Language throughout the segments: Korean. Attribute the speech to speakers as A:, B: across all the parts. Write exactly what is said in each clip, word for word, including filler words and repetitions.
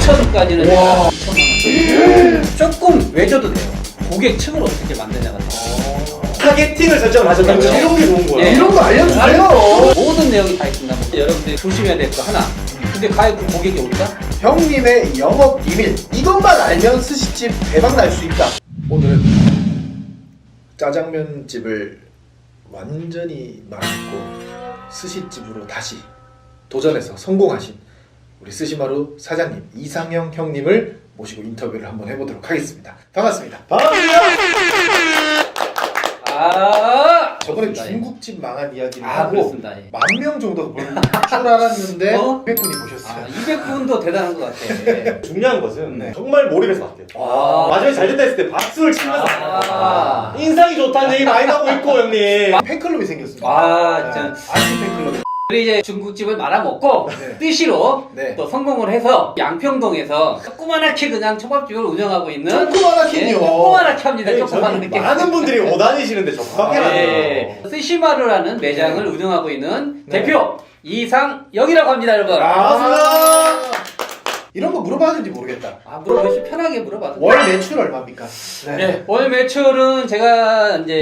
A: 오천까지는 제가 이천만 원. 조금 외줘도 돼요. 고객층을 어떻게 만드냐가
B: 타겟팅을 설정을 하셨다고요?
C: 그렇죠.
B: 이런 게 좋은 거예요.
A: 네.
C: 이런 거 알려주세요.
A: 모든 내용이 다 있습니다. 여러분들이 조심해야 될 거 하나. 근데 과연 그 고객이 올까?
C: 형님의 영업 비밀, 이것만 알면 스시집 대박 날 수 있다. 오늘은 짜장면 집을 완전히 망했고 스시집으로 다시 도전해서 성공하신 우리 스시마루 사장님 이상형 형님을 모시고 인터뷰를 한번 해보도록 하겠습니다. 반갑습니다.
B: 반갑습니다.
A: 아,
C: 저번에
A: 그렇습니다.
C: 중국집 망한 이야기를
A: 아,
C: 하고
A: 그렇습니다. 예.
C: 만 명 정도 볼 줄 알았는데
A: 어?
C: 이백 분이 보셨어요.
A: 아, 이백 분도 대단한 것 같아.
B: 중요한 것은
C: 네.
B: 정말 몰입해서 봤대요.
A: 아.
B: 마지막에 잘 됐다 했을 때 박수를 치면서
A: 아.
B: 인상이 좋다는 얘기 많이 나오고 있고 형님.
C: 팬클럽이 생겼습니다.
A: 아,
C: 네.
A: 참.
C: 아시 팬클럽.
A: 우리 이제 중국집을 말아먹고
C: 네.
A: 뜻시로
C: 네.
A: 또 성공을 해서 양평동에서 조그만하게 그냥 초밥집을 운영하고 있는
C: 조그만하긴요.
A: 예, 조그만하게 합니다.
B: 네,
A: 조그만하게.
B: 저는 많은 분들이 못 다니시는데 적합하게
A: 네.
B: 하네요.
A: 스시마루라는 매장을
C: 네.
A: 운영하고 있는
C: 네.
A: 대표 이상영이라고 합니다, 여러분.
B: 반갑습니다.
C: 이런 거 물어봐야 되는지 모르겠다.
A: 아, 물어보시 편하게 물어봐도
C: 월 매출 얼마입니까?
A: 네. 월 매출은 제가 이제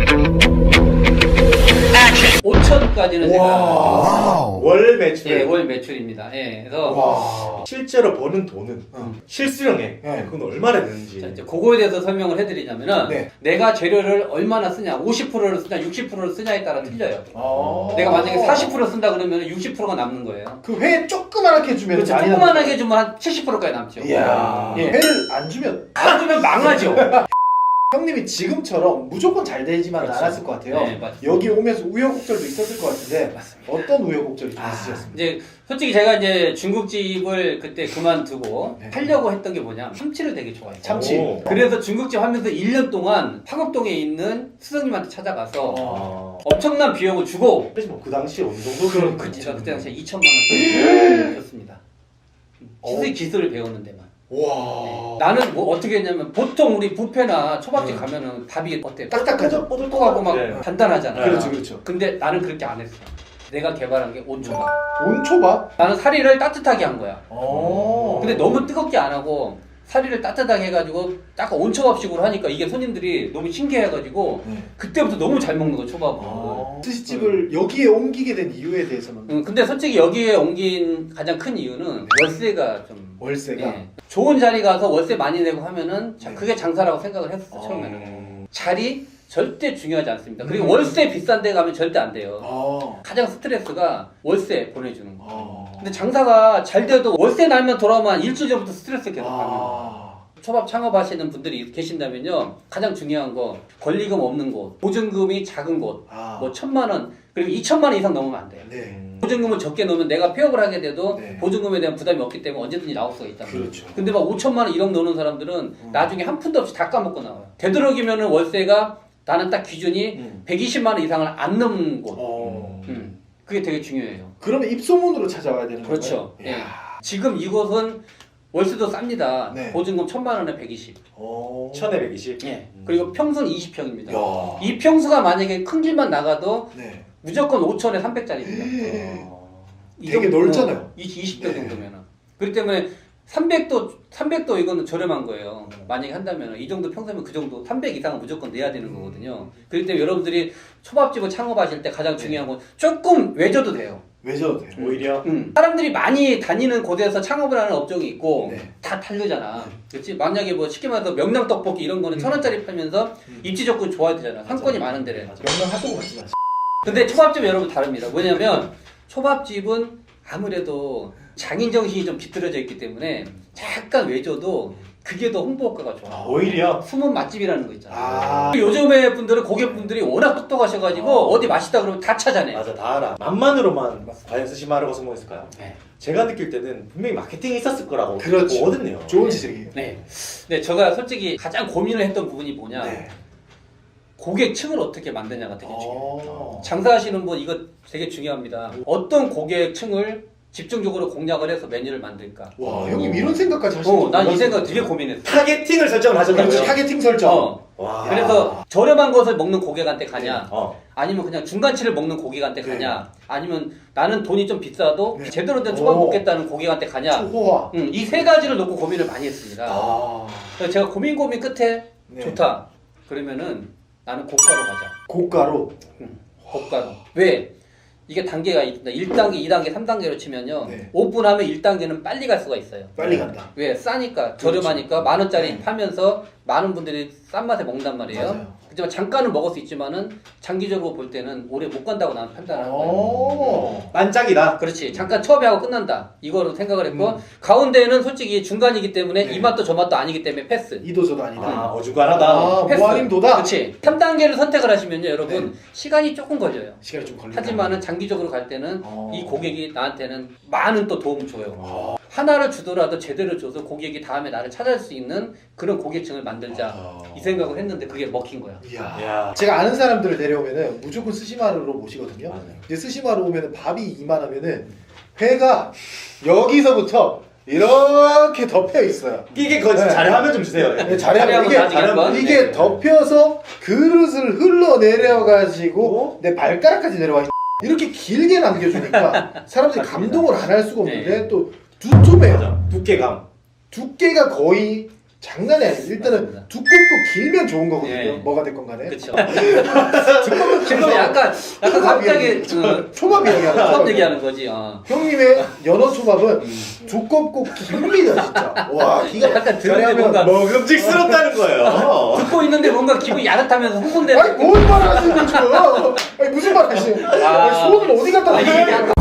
A: 오천까지는 제가
C: 와.
B: 월 매출.
A: 예, 월 매출입니다. 예, 그래서
C: 와.
B: 실제로 버는 돈은
C: 음.
B: 실수령액
C: 네.
B: 그건 얼마나 되는지.
A: 자, 이제 그거에 대해서 설명을 해드리자면은
C: 네.
A: 내가 재료를 얼마나 쓰냐, 오십 퍼센트를 쓰냐, 육십 퍼센트를 쓰냐에 따라 틀려요.
C: 어.
A: 내가 만약에 사십 퍼센트 쓴다 그러면 육십 퍼센트가 남는 거예요.
C: 그 회 조그만하게 해주면
A: 그렇죠.
C: 많이
A: 조그만하게
C: 남는
A: 주면 한 칠십 퍼센트까지 남죠.
C: 거예요. 이야.
A: 예.
C: 회를 안 주면
A: 안 주면 망하죠.
C: 형님이 지금처럼 무조건 잘 되지만
A: 그렇죠.
C: 않았을 것 같아요.
A: 네, 맞습니다.
C: 여기 오면서 우여곡절도 있었을 것 같은데
A: 맞습니다.
C: 어떤 우여곡절이 좀
A: 아,
C: 있으셨습니까?
A: 이제 솔직히 제가 이제 중국집을 그때 그만두고
C: 네.
A: 하려고 했던 게 뭐냐, 참치를 되게 좋아해요.
C: 참치.
B: 오.
A: 그래서 중국집 하면서 일 년 동안 화곡동에 있는 스승님한테 찾아가서
B: 아.
A: 엄청난 비용을 주고
B: 그래서 뭐그 당시에 어느 정도
A: 그, 그 제가 그때 당시에 이천만 원 줬습니다. 기술 기술을 배우는데만.
C: 와.
A: 나는 뭐 어떻게 했냐면 보통 우리 뷔페나 초밥집
C: 네.
A: 가면은 밥이 어때?
C: 딱딱하죠?
A: 뽀득뽀득하고 막
B: 네.
A: 단단하잖아.
C: 그렇죠, 그렇죠.
A: 근데 나는 그렇게 안 했어. 내가 개발한 게 온초밥.
C: 온초밥?
A: 나는 사리를 따뜻하게 한 거야.
C: 어.
A: 근데 너무 뜨겁게 안 하고 사리를 따뜻하게 해가지고 약간 온초밥식으로 하니까 이게 손님들이 너무 신기해가지고
C: 네.
A: 그때부터 너무 잘 먹는 거야, 초밥을.
C: 어. 스시집을 여기에 옮기게 된 이유에 대해서는
A: 응, 근데 솔직히 여기에 옮긴 가장 큰 이유는 월세가 좀
C: 월세가
A: 예. 좋은 자리 가서 월세 많이 내고 하면은 자,
C: 네.
A: 그게 장사라고 생각을 했었어.
C: 어.
A: 처음에는 자리 절대 중요하지 않습니다. 그리고
C: 음.
A: 월세 비싼 데 가면 절대 안 돼요.
C: 어.
A: 가장 스트레스가 월세 보내주는 거.
C: 어.
A: 근데 장사가 잘 돼도 월세 날면 돌아오면 일주일 전부터 스트레스 계속 받는 거.
C: 아.
A: 초밥 창업하시는 분들이 계신다면요, 가장 중요한 거 권리금 없는 곳, 보증금이 작은 곳,
C: 아.
A: 뭐 천만 원 그리고 이천만 원 이상 넘으면 안 돼요.
C: 네.
A: 보증금을 적게 넣으면 내가 폐업을 하게 돼도
C: 네.
A: 보증금에 대한 부담이 없기 때문에 언제든지 나올 수가 있다.
C: 그렇죠.
A: 근데 막 오천만 원 일억 넣는 사람들은
C: 음.
A: 나중에 한 푼도 없이 다 까먹고 나와요. 되도록이면은 월세가 나는 딱 기준이
C: 음.
A: 백이십만 원 이상을 안 넘는 곳.
C: 어.
A: 음. 그게 되게 중요해요.
C: 그러면 입소문으로 찾아와야 되는
A: 그렇죠.
C: 건가요?
A: 예.
C: 이야.
A: 지금 이곳은 월세도 쌉니다.
C: 네.
A: 보증금 천만 원에 백이십.
C: 어.
B: 천에백이십.
A: 예. 그리고 평수는 이십 평입니다.
C: 야.
A: 이 평수가 만약에 큰 길만 나가도
C: 네.
A: 무조건 오천에 삼백짜리입니다. 이
C: 되게
A: 정도-
C: 넓잖아요.
A: 어, 이십 평
C: 네.
A: 정도면은. 그렇기 때문에 삼백도 삼백도 이거는 저렴한 거예요. 만약에 한다면 이 정도 평수면 그 정도 삼백 이상은 무조건 내야 되는 거거든요. 그렇기 때문에 여러분들이 초밥집을 창업하실 때 가장 중요한 건 조금 외져도 돼요.
C: 왜 저도 돼요?
B: 오히려
A: 음. 사람들이 많이 다니는 곳에서 창업을 하는 업종이 있고
C: 네.
A: 다 다르잖아. 그렇지? 만약에 뭐 쉽게 말해서 명랑 떡볶이 이런 거는
C: 음.
A: 천 원짜리 팔면서
C: 음.
A: 입지 조건 좋아야 되잖아. 상권이 많은 데래.
C: 명랑 핫도그 같지 않지?
A: 근데 초밥집은 여러분 다릅니다. 뭐냐면 초밥집은 아무래도 장인 정신이 좀 깃들어져 있기 때문에 약간 외져도 그게 더 홍보 효과가 좋아.
B: 오히려
A: 숨은 맛집이라는 거 있잖아.
C: 아.
A: 요즘에 분들은 고객분들이 워낙 똑똑하셔가지고
B: 어.
A: 어디 맛있다 그러면 다 찾아내.
B: 맞아 다 알아. 맛만으로만 과연 스시마루가 성공했을까요?
A: 네.
B: 제가 느낄 때는 분명히 마케팅이 있었을 거라고
C: 그렇죠.
B: 보거든요.
C: 좋은 지적이에요.
A: 네. 네, 제가 솔직히 가장 고민을 했던 부분이 뭐냐.
C: 네.
A: 고객층을 어떻게 만드냐가 되게 중요해요.
C: 어.
A: 장사하시는 분 이거 되게 중요합니다. 어떤 고객층을 집중적으로 공략을 해서 메뉴를 만들까?
C: 와 형님 이런 생각까지 하시는
A: 어, 난 이 생각 되게 고민했어.
B: 타겟팅을 설정을 하셨다고요?
C: 그렇지 타겟팅 설정.
A: 어.
B: 와.
A: 그래서 저렴한 것을 먹는 고객한테 가냐?
B: 어.
A: 아니면 그냥 중간치를 먹는 고객한테
C: 네.
A: 가냐? 아니면 나는 돈이 좀 비싸도
C: 네.
A: 제대로 된 초밥
C: 오.
A: 먹겠다는 고객한테 가냐?
C: 초호화.
A: 음, 이 세 가지를 놓고 고민을 많이 했습니다.
C: 아.
A: 그래서 제가 고민 고민 끝에
C: 네.
A: 좋다. 그러면은 나는 고가로 가자.
C: 고가로.
A: 고가로. 왜? 이게 단계가 있다. 일 단계, 이 단계, 삼 단계로 치면요.
C: 네.
A: 오픈하면 일 단계는 빨리 갈 수가 있어요.
C: 빨리 간다.
A: 왜? 싸니까, 저렴하니까, 만 원짜리
C: 네.
A: 팔면서 많은 분들이 싼 맛에 먹는단 말이에요.
C: 맞아요.
A: 하지만 잠깐은 먹을 수 있지만은 장기적으로 볼 때는 오래 못 간다고 나는 판단하는 거예요.
C: 오.
B: 반짝이다.
A: 그렇지. 잠깐 처음에 하고 끝난다. 이거로 생각을 했고,
C: 음.
A: 가운데는 솔직히 중간이기 때문에
C: 네.
A: 이 맛도 저 맛도 아니기 때문에 패스.
C: 이도저도 아니다.
B: 아, 어중간하다.
C: 아,
A: 패스.
C: 모아님도다.
A: 그렇지. 삼 단계를 선택을 하시면요, 여러분,
C: 네.
A: 시간이 조금 걸려요.
C: 시간이 좀 걸린다.
A: 하지만은 장기적으로 갈 때는
C: 어.
A: 이 고객이 나한테는 많은 또 도움을 줘요.
C: 어.
A: 하나를 주더라도 제대로 줘서 고객이 다음에 나를 찾아올 수 있는 그런 고객층을 만들자.
C: 어.
A: 이 생각을 했는데 그게 먹힌 거야.
C: 이야.
B: 야.
C: 제가 아는 사람들을 데려오면은 무조건 스시마루로 모시거든요.
B: 맞아요.
C: 이제 스시마루 오면은 밥이 이만하면은 회가 여기서부터 이렇게 덮여 있어요.
B: 이게 그거
C: 네.
B: 잘하면 좀 주세요.
C: 네,
A: 자리
C: 잘하면
A: 한번
C: 이게
A: 나중에 한번.
C: 이게
A: 네.
C: 덮여서 그릇을 흘러내려가지고 내 발가락까지 내려와 있- 이렇게 길게 남겨주니까 사람들이
A: 맞습니다.
C: 감동을 안 할 수가 없는데
A: 네.
C: 또 두툼해요.
B: 맞아. 두께감.
C: 두께가 거의 장난이 아니에요. 일단은
A: 맞습니다.
C: 두껍고 길면 좋은 거거든요.
A: 네.
C: 뭐가 됐건 간에.
A: 그렇죠. 그래서 약간 약간 갑자기 어,
C: 초밥 이야기하는
A: 처음
C: 거예요.
A: 얘기하는 거지. 어.
C: 형님의 연어 초밥은 두껍고 깁니다 진짜. 와 기가
A: 약간 듣는데
C: 잘하면
A: 뭔가
B: 먹음직스럽다는 거예요.
A: 듣고 있는데 뭔가 기분이 야릇하면서 흥분되는.
C: 아니 뭔 말 하시는 지금? 아니 무슨 말 하시는?
A: 아.
C: 아니, 소원을 어디 갖다
A: 아, 이게
C: 놔요?
A: 약간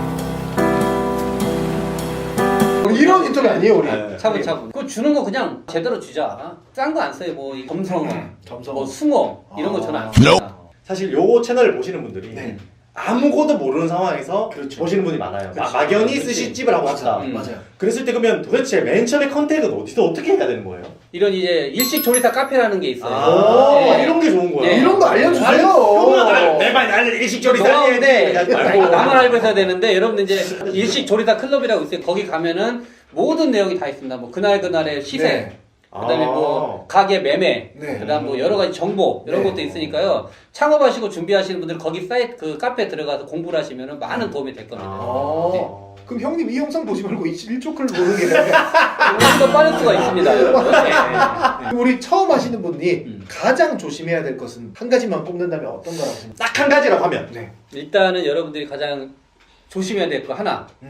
C: 우리 이런 인터뷰 아니에요 우리.
B: 네.
A: 차분차분. 그거 주는 거 그냥 제대로 주자. 싼 거 안 써요. 뭐 이 검성어,
C: 점성.
A: 뭐 숭어 이런 거
C: 아.
A: 저는 안 씁니다.
B: 사실 요 채널을 보시는 분들이
C: 네.
B: 아무것도 모르는 상황에서
C: 그렇죠.
B: 보시는 분이 많아요. 마-
C: 그렇죠.
B: 막연히
A: 그렇지.
B: 스시집을 하고 싶다.
A: 음.
C: 맞아요.
B: 그랬을 때 그러면 도대체 맨 처음에 컨택은 어디서 어떻게 해야 되는 거예요?
A: 이런 이제 일식 조리사 카페라는 게 있어요.
B: 아,
A: 네.
B: 이런 게 좋은 거야.
A: 네.
C: 이런 거 알려주세요.
B: 형만 내말 나는 일식조리
A: 노하우인데
B: 살려야 돼.
A: 아니, 나만 알고 있어야 되는데 여러분들 이제 일식 조리사 클럽이라고 있어요. 거기 가면은 모든 내용이 다 있습니다. 뭐 그날 그날의 시세,
C: 네.
A: 그다음에 뭐 가게 매매,
C: 네.
A: 그다음 뭐 여러 가지 정보 이런
C: 네.
A: 것도 있으니까요. 창업하시고 준비하시는 분들 거기 사이트 그 카페 들어가서 공부를 하시면은 많은 도움이 될 겁니다.
C: 아. 그럼 형님 이 영상 보지 말고 이십일 컷을 보는 게
A: 더 빠를 수가 있습니다, 여러분. 네.
C: 우리 처음 하시는 분이
A: 음.
C: 가장 조심해야 될 것은 한 가지만 꼽는다면 어떤 거라고 생각해요?
B: 딱 한 가지라고 하면
C: 네.
A: 일단은 여러분들이 가장 조심해야 될 거 하나.
C: 음.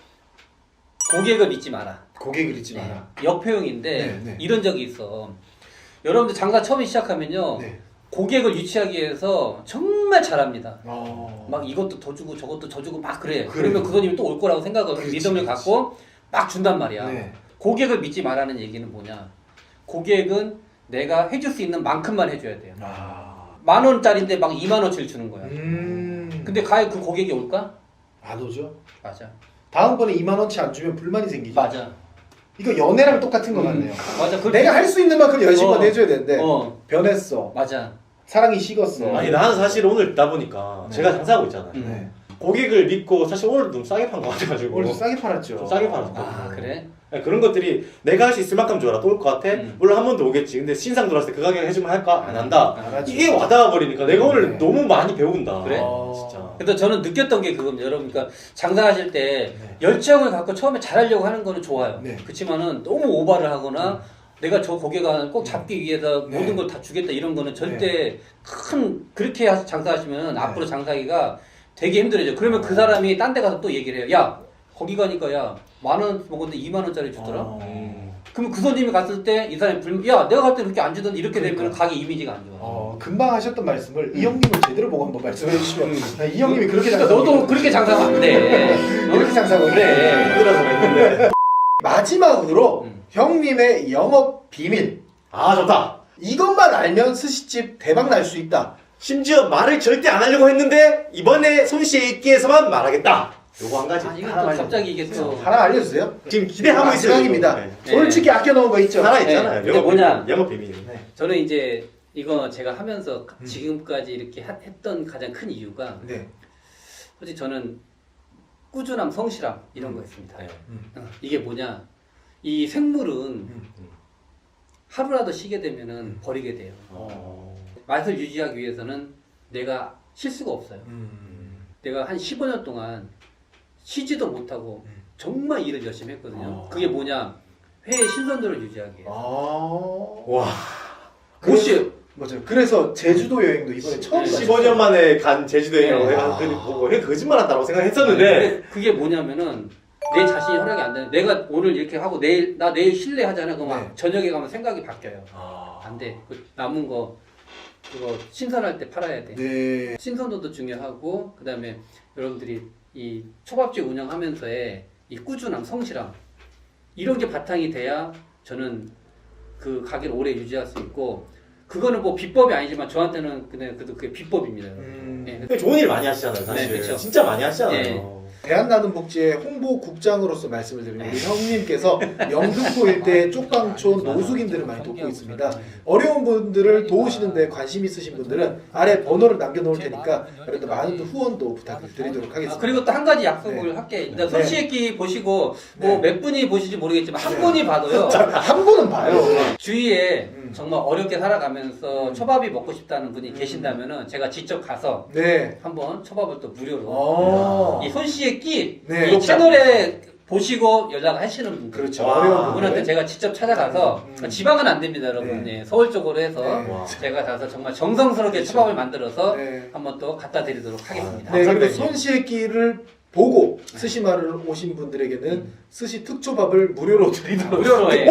A: 고객을 믿지 마라.
C: 고객을 잊지
A: 네.
C: 마라.
A: 역효용인데
C: 네, 네.
A: 이런 적이 있어. 여러분들 장사 처음 시작하면요.
C: 네.
A: 고객을 유치하기 위해서 정말 잘합니다.
C: 어.
A: 막 이것도 더 주고 저것도 더 주고 막 그래.
C: 그래요.
A: 그러면 그 손님이 또 올 거라고 생각을
C: 그렇지,
A: 믿음을
C: 그렇지.
A: 갖고 막 준단 말이야.
C: 네.
A: 고객을 믿지 말라는 얘기는 뭐냐? 고객은 내가 해줄 수 있는 만큼만 해줘야 돼요.
C: 아.
A: 만 원짜리인데 막 이만 원치를 주는 거야.
C: 음.
A: 근데 과연 그 고객이 올까?
C: 안 오죠?
A: 맞아.
C: 다음번에 이만 원치 안 주면 불만이 생기죠.
A: 맞아.
C: 이거 연애랑 똑같은 거
A: 음.
C: 같네요.
A: 맞아. 그
C: 내가 할 수 있는 만큼 열심히만
A: 어.
C: 해줘야 되는데
A: 어.
C: 변했어.
A: 맞아.
C: 사랑이 식었어.
A: 음.
B: 아니 나는 사실 오늘 있다 보니까
C: 네.
B: 제가 장사하고 있잖아요.
A: 음.
C: 네.
B: 고객을 믿고 사실 오늘 좀 싸게 판 거 같아가지고
C: 오늘 좀 싸게 팔았죠.
B: 좀 싸게 팔았어.
A: 아 그래?
B: 네, 그런 것들이 내가 할 수 있을 만큼 줘라 또 올 것 같아.
A: 음.
B: 물론 한 번 더 오겠지. 근데 신상 들어왔을 때 그 가격 해주면 할까? 안 한다.
C: 안 하죠.
B: 이게 와닿아 버리니까 내가 오늘
C: 네.
B: 너무 많이 배운다.
A: 그래?
C: 어.
B: 진짜.
A: 그래서 저는 느꼈던 게 그겁니다. 여러분, 그러니까 장사하실 때
C: 네.
A: 열정을 갖고 처음에 잘하려고 하는 거는 좋아요.
C: 네.
A: 그렇지만은 너무 오바를 하거나 내가 저 고객을 꼭 잡기 위해서
C: 네.
A: 모든 걸 다 주겠다 이런 거는 절대 큰 그렇게 하- 장사하시면
C: 네.
A: 앞으로 장사하기가 되게 힘들어져. 그러면 그 사람이 딴 데 가서 또 얘기를 해요. 야, 거기 가니까 야, 만 원 먹었는데 이만 원짜리 주더라.
C: 어.
B: 음.
A: 그러면 그 손님이 갔을 때 이 사람이 불, 야, 내가 갈 때 그렇게 안 주던데 이렇게 되면
C: 그러니까.
A: 가게 이미지가 안 좋아.
C: 어, 금방 하셨던 말씀을
A: 음.
C: 이 형님을 제대로 보고 한번 말씀해 주시면 아, 이 형님이 그렇게
A: 그러니까
C: 장사하고
A: 너도 그렇게 장사하면 안 돼. 어?
C: 이렇게 장사하고
A: 그래.
B: 힘들어서 그랬는데.
C: 마지막으로
A: 음.
C: 형님의 영업 비밀
B: 아 좋다.
C: 이것만 알면 스시집 대박 날 수 있다.
B: 심지어 말을 절대 안 하려고 했는데 이번에 손씨에 있기에서만 말하겠다. 요거 한 가지.
A: 아, 이거 또
B: 하나만
A: 갑자기 이게 또.
C: 하나 알려주세요.
B: 지금 기대하고 있어요.
C: 마지막입니다.
B: 네.
C: 솔직히 아껴놓은 거 있죠.
B: 하나 있잖아요.
A: 네. 근데 뭐냐?
B: 영업 비밀.
C: 네.
A: 저는 이제 이거 제가 하면서
C: 음.
A: 지금까지 이렇게 하- 했던 가장 큰 이유가
C: 네.
A: 솔직히 저는 꾸준함, 성실함 이런 거였습니다.
B: 네.
A: 어, 이게 뭐냐? 이 생물은
C: 음.
A: 하루라도 쉬게 되면은 버리게 돼요.
B: 어.
A: 맛을 유지하기 위해서는 내가 쉴 수가 없어요.
C: 음.
A: 내가 한 십오 년 동안 쉬지도 못하고
C: 음.
A: 정말 일을 열심히 했거든요.
C: 어.
A: 그게 뭐냐? 회의 신선도를 유지하기 위해서.
C: 아.
B: 와.
A: 못 쉬어요.
C: 맞아요. 그래서 제주도 여행도 이번에 처음
A: 네.
C: 가셨어요.
B: 십오 년 만에 간 제주도행이라고
A: 네.
B: 내가 그 뭐, 왜 거짓말한다고 생각했었는데
A: 근데 그게 뭐냐면은 내 자신이 허락이 안 되는. 내가 오늘 이렇게 하고 내일 나 내일 쉴래 하잖아. 그럼
C: 네.
A: 저녁에 가면 생각이 바뀌어요.
C: 아.
A: 안 돼. 그 남은 거 그거 신선할 때 팔아야 돼.
C: 네.
A: 신선도도 중요하고 그다음에 여러분들이 이 초밥집 운영하면서의 이 꾸준함, 성실함 이런 게 바탕이 돼야 저는 그 가게를 오래 유지할 수 있고 그거는 뭐 비법이 아니지만 저한테는 그냥 그래도 그게 비법입니다.
C: 음.
A: 예.
B: 근데 좋은 일 많이 하시잖아요 사실.
A: 네, 그쵸.
B: 진짜 많이 하시잖아요.
A: 네.
C: 대한나눔복지의 홍보국장으로서 말씀을 드리면 우리 형님께서 영등포 일대 쪽방촌 노숙인들을 많이 돕고 있습니다. 어려운 분들을 도우시는 데 관심 있으신 분들은 아래 번호를 남겨놓을 테니까 여러분들 많은 후원도 부탁드리도록 하겠습니다.
A: 아, 그리고 또 한 가지 약속을
C: 네.
A: 할게. 일단
C: 네.
A: 손씨액기 보시고 뭐
C: 네.
A: 몇 분이 보실지 모르겠지만 한 분이 봐도요.
C: 한 분은 봐요.
A: 주위에
C: 음.
A: 정말 어렵게 살아가면서
C: 음.
A: 초밥이 먹고 싶다는 분이
C: 음.
A: 계신다면은 제가 직접 가서
C: 네.
A: 한번 초밥을 또 무료로
C: 어.
A: 이 손씨의 끼
C: 네.
A: 이 채널에 보시고 연락하시는 분들
C: 그렇죠.
B: 와.
C: 어려운
A: 그분한테
C: 분들.
A: 제가 직접 찾아가서
C: 음.
A: 지방은 안 됩니다 여러분.
C: 네.
A: 예, 서울 쪽으로 해서
C: 네.
B: 와.
A: 제가 가서 정말 정성스럽게
C: 그렇죠.
A: 초밥을 만들어서
C: 네.
A: 한번 또 갖다 드리도록 하겠습니다.
C: 네, 그리고
B: 감사합니다.
C: 손씨의끼를 보고 스시마를 오신 분들에게는 스시 특초밥을 무료로 드리도록.
A: 무료로 해.
C: 오!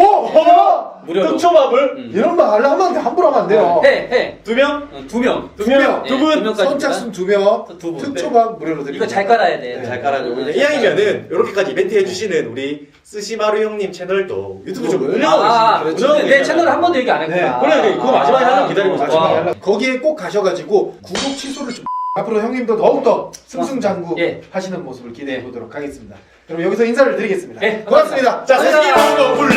C: 어?
A: 무료로.
B: 특초밥을
A: 음.
C: 이런 말 하려 하면 안 돼. 함부로 하면 안 돼요.
A: 해, 해.
B: 두 명?
A: 어, 두 명.
C: 두 명.
A: 예,
B: 두 분.
A: 두 명까지.
C: 선착순 두 명,
A: 두 분.
C: 특초밥 무료로 드립니다.
A: 이거 잘 깔아야 돼.
C: 네.
B: 잘 깔아주고
A: 음,
B: 이제 이왕이면은 이렇게까지 이벤트 해주시는 우리 스시마루 형님 채널도 유튜브 좀 운영하고
A: 아,
B: 계십니다.
C: 그렇죠.
B: 운영하고
A: 근데 내
B: 계시잖아요.
A: 채널 한 번도 얘기 안 했구나.
B: 네, 그래, 그거 마지막에 하려고 기다리고 있었어.
C: 마지막에
A: 와.
C: 하려고. 거기에 꼭 가셔가지고 구독 취소를 좀 앞으로 형님도 더욱더 승승장구
A: 예.
C: 하시는 모습을 기대해 보도록 하겠습니다. 그럼 여기서 인사를 드리겠습니다.
A: 네,
C: 고맙습니다.
B: 자, 스시마루 불